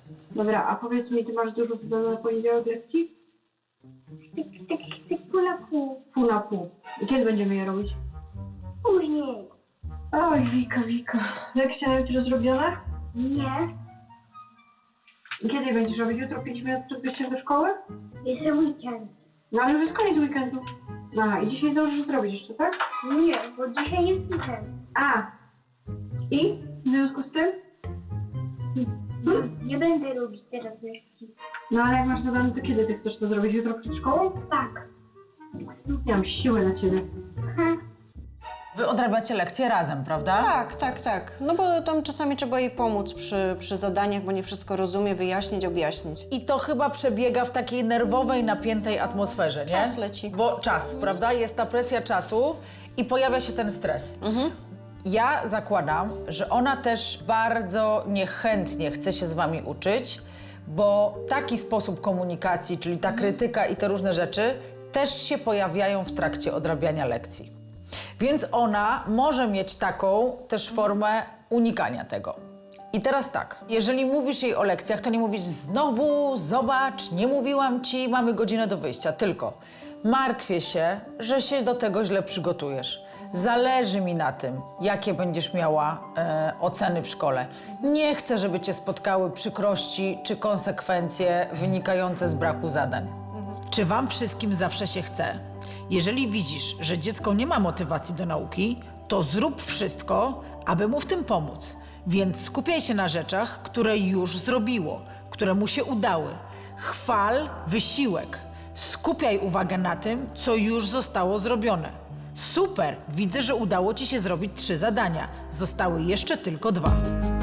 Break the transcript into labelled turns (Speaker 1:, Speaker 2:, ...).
Speaker 1: Dobra, a powiedz mi, ty masz dużo zadane na poniedziałek lekcji?
Speaker 2: Tak pół na pół.
Speaker 1: Pół na pół. I kiedy będziemy je robić?
Speaker 2: Później.
Speaker 1: Oj, Wika. Lekcja na jutro zrobione?
Speaker 2: Nie.
Speaker 1: I kiedy je będziesz robić? Jutro 5 minut przed wyjściem do szkoły?
Speaker 2: Jest weekend.
Speaker 1: No ale już jest koniec weekendu. Aha, i dzisiaj zdążysz zrobić jeszcze, tak?
Speaker 2: Nie, bo dzisiaj jest weekend.
Speaker 1: A. I? W związku z tym?
Speaker 2: Nie będę robić teraz lekcji.
Speaker 1: No ale jak masz zadane, to kiedy ty chcesz to zrobić? Jutro przed szkołą?
Speaker 2: Tak.
Speaker 1: Nie mam siły na ciebie.
Speaker 3: Wy odrabiacie lekcje razem, prawda?
Speaker 4: Tak. No bo tam czasami trzeba jej pomóc przy zadaniach, bo nie wszystko rozumie, wyjaśnić, objaśnić.
Speaker 3: I to chyba przebiega w takiej nerwowej, napiętej atmosferze, nie?
Speaker 4: Czas leci.
Speaker 3: Bo czas, prawda? Jest ta presja czasu i pojawia się ten stres. Ja zakładam, że ona też bardzo niechętnie chce się z wami uczyć, bo taki sposób komunikacji, czyli ta krytyka i te różne rzeczy, też się pojawiają w trakcie odrabiania lekcji. Więc ona może mieć taką też formę unikania tego. I teraz tak, jeżeli mówisz jej o lekcjach, to nie mówisz znowu, zobacz, nie mówiłam ci, mamy godzinę do wyjścia, tylko martwię się, że się do tego źle przygotujesz. Zależy mi na tym, jakie będziesz miała oceny w szkole. Nie chcę, żeby cię spotkały przykrości czy konsekwencje wynikające z braku zadań. Czy wam wszystkim zawsze się chce? Jeżeli widzisz, że dziecko nie ma motywacji do nauki, to zrób wszystko, aby mu w tym pomóc. Więc skupiaj się na rzeczach, które już zrobiło, które mu się udały. Chwal wysiłek. Skupiaj uwagę na tym, co już zostało zrobione. Super! Widzę, że udało ci się zrobić 3 zadania. Zostały jeszcze tylko 2.